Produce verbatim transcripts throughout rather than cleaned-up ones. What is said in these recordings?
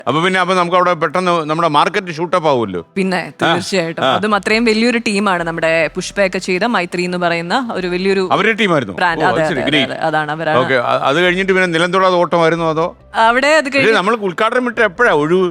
അപ്പൊ പിന്നെ അപ്പൊ നമുക്ക് അവിടെ പെട്ടെന്ന് നമ്മുടെ മാർക്കറ്റ് ഷൂട്ടപ്പ് ആവുമല്ലോ. പിന്നെ തീർച്ചയായിട്ടും അതും അത്രയും വലിയൊരു ടീമാണ് നമ്മുടെ പുഷ്പയൊക്കെ ചെയ്ത മൈത്രി എന്ന് പറയുന്ന ഒരു വലിയൊരു അവരുടെ ടീമായിരുന്നു ബ്രാൻഡ്. അതെ അതെ അതാണ് അവരാണ്. ഓക്കെ, അത് കഴിഞ്ഞിട്ട് പിന്നെ നിലംതൊടാതെ ഓട്ടമായിരുന്നു അതോ? അവിടെ അത് കഴിഞ്ഞ് നമ്മൾ ഉദ്ഘാടനം വിട്ട് എപ്പോഴാ ഒഴിവ്?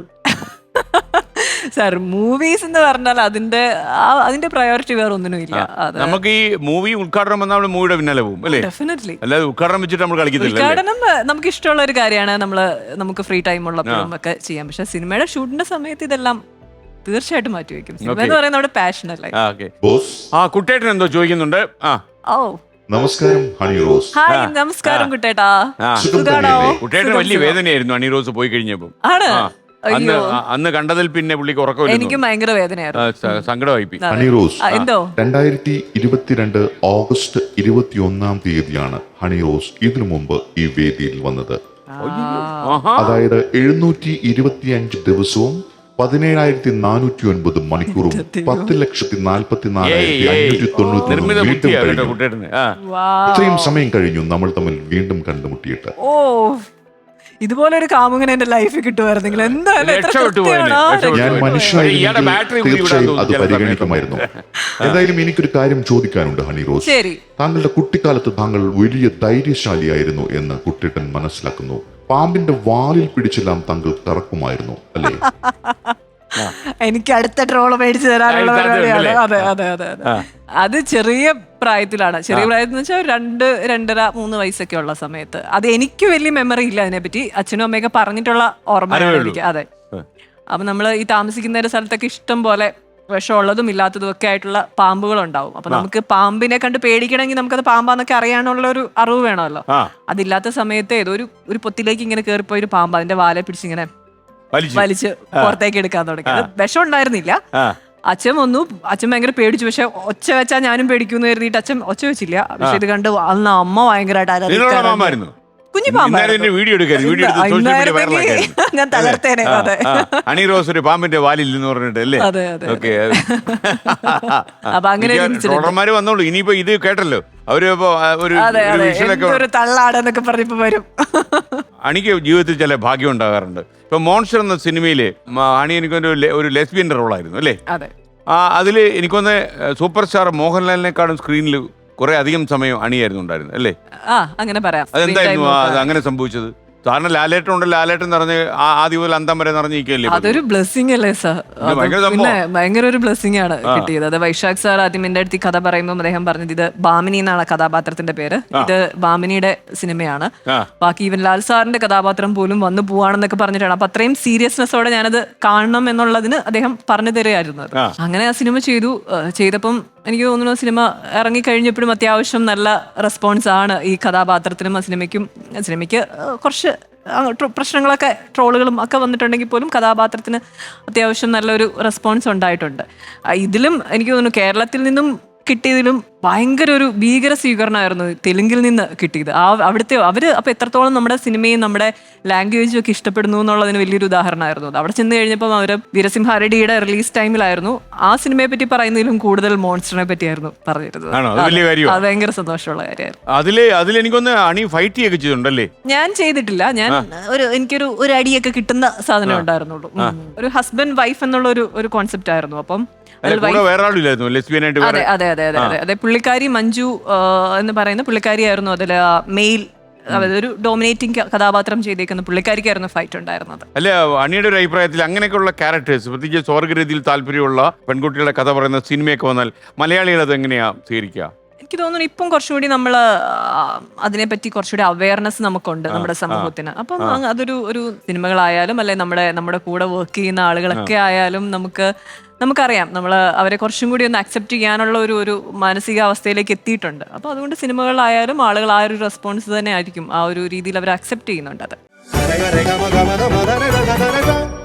സാർ മൂവീസ് എന്ന് പറഞ്ഞാൽ അതിന്റെ അതിന്റെ പ്രയോറിറ്റി വേറെ ഒന്നിനും ഇല്ല. നമുക്ക് ഈ മൂവി ഉദ്ഘാടനം വന്നാൽ നമ്മൾ മൂവിയുടെ പിന്നാലെ പോകും അല്ലേ? ഡെഫിനറ്റ്ലി. അല്ലാതെ ഉദ്ഘാടനം വെച്ചിട്ട് നമ്മൾ കളിക്കുന്നില്ല. ഉദ്ഘാടനം നമുക്ക് ഇഷ്ടമുള്ള ഒരു കാര്യമാണ്, നമ്മള് നമുക്ക് ഫ്രീ ടൈം ഉള്ളപ്പോഴും ഒക്കെ ചെയ്യാം. പക്ഷെ സിനിമയുടെ ഷൂട്ടിന്റെ സമയത്ത് ഇതെല്ലാം തീർച്ചയായിട്ടും മാറ്റി വെക്കും. സിനിമ എന്ന് പറയുന്നത് നമ്മുടെ പാഷൻ അല്ലേ. ആ കുട്ടേട്ടൻ എന്തോ ചോദിക്കുന്നുണ്ട്. ആ ഓ നമസ്കാരം ഹണി റോസ്. ഹായ് നമസ്കാരം കുട്ടേട്ടാ. സുഖാണോ? കുട്ടേട്ടന് വലിയ വേദനയായിരുന്നു ഹണി റോസ് പോയി കഴിഞ്ഞപ്പോ. ആണ്. അന്ന് അന്ന് കണ്ടതിൽ പിന്നെ പുള്ളിക്ക് ഉറക്കമില്ല. എനിക്ക് ഭയങ്കര വേദനയായിരുന്നു, സങ്കടമായി. ഹണി റോസ് എന്തോ രണ്ടായിരത്തി ഇരുപത്തിരണ്ട് ഓഗസ്റ്റ് ഇരുപത്തി ഒന്നാം തീയതിയാണ് ഹണി റോസ് ഇതിനു മുമ്പ് ഈ വേദിയിൽ വന്നത്. അതായത് എഴുന്നൂറ്റി ഇരുപത്തി അഞ്ച് ദിവസവും പതിനേഴായിരത്തി നാനൂറ്റി ഒൻപത് മണിക്കൂറും പത്ത് ലക്ഷത്തി നാൽപ്പത്തി നാലായിരത്തി അഞ്ഞൂറ്റി തൊണ്ണൂറ്റി വീണ്ടും കഴിഞ്ഞു. ഇത്രയും സമയം കഴിഞ്ഞു നമ്മൾ തമ്മിൽ വീണ്ടും കണ്ടുമുട്ടിയിട്ട്. ഓ ഇതുപോലെ ഒരു കാമുകൻ എന്റെ ലൈഫിൽ കിട്ടുമായിരുന്നെങ്കിൽ എന്തായാലും ഞാൻ മനുഷ്യനായിരുന്നു, തീർച്ചയായും അത് പരിഗണിക്കുമായിരുന്നു. എന്തായാലും എനിക്കൊരു കാര്യം ചോദിക്കാനുണ്ട് ഹണി റോസ്. ശരി. താങ്കളുടെ കുട്ടിക്കാലത്ത് താങ്കൾ വലിയ ധൈര്യശാലിയായിരുന്നു എന്ന് കുട്ടിട്ടൻ മനസ്സിലാക്കുന്നു. പാമ്പിന്റെ വാലിൽ പിടിച്ചെല്ലാം താങ്കൾ തറക്കുമായിരുന്നു അല്ലേ? എനിക്ക് അടുത്ത ട്രോള് മേടിച്ചു തരാനുള്ള പരിപാടിയാണ്. അതെ അതെ അതെ അതെ അത് ചെറിയ പ്രായത്തിലാണ്. ചെറിയ പ്രായത്തിൽ എന്ന് വെച്ചാൽ രണ്ട് രണ്ടര മൂന്ന് വയസ്സൊക്കെ ഉള്ള സമയത്ത്. അത് എനിക്ക് വലിയ മെമ്മറി ഇല്ല അതിനെപ്പറ്റി. അച്ഛനും അമ്മയൊക്കെ പറഞ്ഞിട്ടുള്ള ഓർമ്മയാണ് എനിക്ക്. അതെ. അപ്പൊ നമ്മള് ഈ താമസിക്കുന്ന ഒരു സ്ഥലത്തൊക്കെ ഇഷ്ടം പോലെ വിഷമുള്ളതും ഇല്ലാത്തതും ഒക്കെ ആയിട്ടുള്ള പാമ്പുകളുണ്ടാവും. അപ്പൊ നമുക്ക് പാമ്പിനെ കണ്ട് പേടിക്കണമെങ്കിൽ നമുക്കത് പാമ്പാന്നൊക്കെ അറിയാനുള്ള ഒരു അറിവ് വേണമല്ലോ. അതില്ലാത്ത സമയത്ത് ഏതോ ഒരു ഒരു പൊത്തിലേക്ക് ഇങ്ങനെ കയറിപ്പോയി ഒരു പാമ്പ് അതിന്റെ വാലെ പിടിച്ചിങ്ങനെ വലിച്ച് പുറത്തേക്ക് എടുക്കാൻ തുടങ്ങി. അത് വിഷം ഉണ്ടായിരുന്നില്ല. അച്ഛൻ വന്നു, അച്ഛൻ ഭയങ്കര പേടിച്ചു. പക്ഷെ ഒച്ച വെച്ചാ ഞാനും പേടിക്കുന്നു കരുതിയിട്ട് അച്ഛൻ ഒച്ച വെച്ചില്ല. പക്ഷെ ഇത് കണ്ട് അന്ന് അമ്മ ഭയങ്കരമായിട്ട് കുഞ്ഞു ഞാൻ തകർത്തേനെ. അതെ ഹണി റോസ് ഒരു പാമ്പിന്റെ വാലിൽ എന്ന് പറഞ്ഞിട്ടല്ലേ. അതെ അതെ. അപ്പൊ അങ്ങനെ ട്രോളർമാര് വന്നോളൂ. ഇനിയിപ്പോ ഇത് കേട്ടല്ലോ അവര് ഒരു തള്ളാടെന്നൊക്കെ പറഞ്ഞപ്പോ വരും. അണിക്ക് ജീവിതത്തിൽ ചില ഭാഗ്യം ഉണ്ടാകാറുണ്ട്. ഇപ്പൊ മോൺസ്റ്റർ എന്ന സിനിമയില് അണി എനിക്കൊരു ഒരു ലെസ്ബിയന്റെ റോളായിരുന്നു അല്ലേ? ആ അതില് എനിക്കൊന്ന് സൂപ്പർ സ്റ്റാർ മോഹൻലാലിനെക്കാളും സ്ക്രീനിൽ കുറെ അധികം സമയം അണിയായിരുന്നു ഉണ്ടായിരുന്നു അല്ലേ? അങ്ങനെ പറയാം. അതെന്തായിരുന്നു അത് അങ്ങനെ സംഭവിച്ചത്? കാരണം ലാലേട്ടൻ ഉണ്ട്, ലാലേട്ടൻ നിറഞ്ഞ് ആദ്യം മുതൽ അന്തം വരെ നിറഞ്ഞിരിക്കല്ലേ. അതൊരു ബ്ലെസ്സിങ് അല്ലേ സാർ? പിന്നെ ഭയങ്കര ഒരു ബ്ലെസ്സിങ് ആണ് കിട്ടിയത്. അത് വൈശാഖ് സാർ ആദ്യം എന്റെ അടുത്ത് കഥ പറയുമ്പോൾ അദ്ദേഹം പറഞ്ഞത് ഇത് ബാമിനി എന്നാണ് കഥാപാത്രത്തിന്റെ പേര്. ഇത് ബാമിനിയുടെ സിനിമയാണ്. ബാക്കി ഈവൻ ലാൽ സാറിന്റെ കഥാപാത്രം പോലും വന്നു പോവാണെന്നൊക്കെ പറഞ്ഞിട്ടാണ്. അപ്പൊ അത്രയും സീരിയസ്നെസ്സോടെ ഞാനത് കാണണം എന്നുള്ളതിന് അദ്ദേഹം പറഞ്ഞു തരുമായിരുന്നു. അങ്ങനെ ആ സിനിമ ചെയ്തു. ചെയ്തപ്പം എനിക്ക് തോന്നുന്നു സിനിമ ഇറങ്ങി കഴിഞ്ഞപ്പോഴും അത്യാവശ്യം നല്ല റെസ്പോൺസ് ആണ് ഈ കഥാപാത്രത്തിനും ആ സിനിമയ്ക്കും. സിനിമയ്ക്ക് കുറച്ച് പ്രശ്നങ്ങളൊക്കെ ട്രോളുകളും ഒക്കെ വന്നിട്ടുണ്ടെങ്കിൽ പോലും കഥാപാത്രത്തിന് അത്യാവശ്യം നല്ലൊരു റെസ്പോൺസ് ഉണ്ടായിട്ടുണ്ട്. ഇതിലും എനിക്ക് തോന്നുന്നു കേരളത്തിൽ നിന്നും കിട്ടിയതിലും ഭയങ്കര ഒരു ഭീകര സ്വീകരണമായിരുന്നു തെലുങ്കിൽ നിന്ന് കിട്ടിയത്. ആ അവിടുത്തെ അവര് അപ്പൊ എത്രത്തോളം നമ്മുടെ സിനിമയും നമ്മുടെ ലാംഗ്വേജും ഒക്കെ ഇഷ്ടപ്പെടുന്നു എന്നുള്ളതിന് വലിയൊരു ഉദാഹരണമായിരുന്നു അത്. അവിടെ ചെന്ന് കഴിഞ്ഞപ്പോൾ അവര് വീരസിംഹാരടിയുടെ റിലീസ് ടൈമിലായിരുന്നു ആ സിനിമയെ പറ്റി പറയുന്നതിലും കൂടുതൽ മോൺസ്റ്ററിനെ പറ്റിയായിരുന്നു പറഞ്ഞിരുന്നത്. അത് ഭയങ്കര സന്തോഷമുള്ള കാര്യമായിരുന്നു. ഞാൻ ചെയ്തിട്ടില്ല. ഞാൻ ഒരു എനിക്കൊരു ഒരു അടിയൊക്കെ കിട്ടുന്ന സാധനം ഉണ്ടായിരുന്നുള്ളൂ. ഒരു ഹസ്ബൻഡ് വൈഫ് എന്നുള്ള ഒരു ഒരു കോൺസെപ്റ്റ് ആയിരുന്നു. അപ്പം അതെ അതെ അതെ അതെ അതെ പുള്ളിക്കാരി മഞ്ജു എന്ന് പറയുന്ന പുള്ളിക്കാരിയായിരുന്നു അതിൽ മെയിൽ ഒരു ഡോമിനേറ്റിംഗ് കഥാപാത്രം ചെയ്തേക്കുന്ന പുള്ളിക്കാരിക്കായിരുന്നു ഫൈറ്റ് ഉണ്ടായിരുന്നത്. അല്ല അണിയുടെ ഒരു അഭിപ്രായത്തിൽ അങ്ങനെയൊക്കെയുള്ള ക്യാരക്ടേഴ്സ് പ്രത്യേകിച്ച് സ്വർഗരീതിയിൽ താല്പര്യമുള്ള പെൺകുട്ടികളുടെ കഥ പറയുന്ന സിനിമയൊക്കെ വന്നാൽ മലയാളികൾ അത് എങ്ങനെയാ സ്വീകരിക്കുക? എനിക്ക് തോന്നുന്നു ഇപ്പം കുറച്ചുകൂടി നമ്മൾ അതിനെപ്പറ്റി കുറച്ചുകൂടി അവയർനെസ് നമുക്കുണ്ട് നമ്മുടെ സമൂഹത്തിന്. അപ്പം അതൊരു ഒരു സിനിമകളായാലും അല്ലെ നമ്മുടെ നമ്മുടെ കൂടെ വർക്ക് ചെയ്യുന്ന ആളുകളൊക്കെ ആയാലും നമുക്ക് നമുക്കറിയാം നമ്മൾ അവരെ കുറച്ചും കൂടി ഒന്ന് അക്സെപ്റ്റ് ചെയ്യാനുള്ള ഒരു ഒരു മാനസികാവസ്ഥയിലേക്ക് എത്തിയിട്ടുണ്ട്. അപ്പോൾ അതുകൊണ്ട് സിനിമകളിലായാലും ആളുകൾ ആ ഒരു റെസ്പോൺസ് തന്നെ ആയിരിക്കും, ആ ഒരു രീതിയിൽ അവർ അക്സെപ്റ്റ് ചെയ്യുന്നുണ്ട് അത്.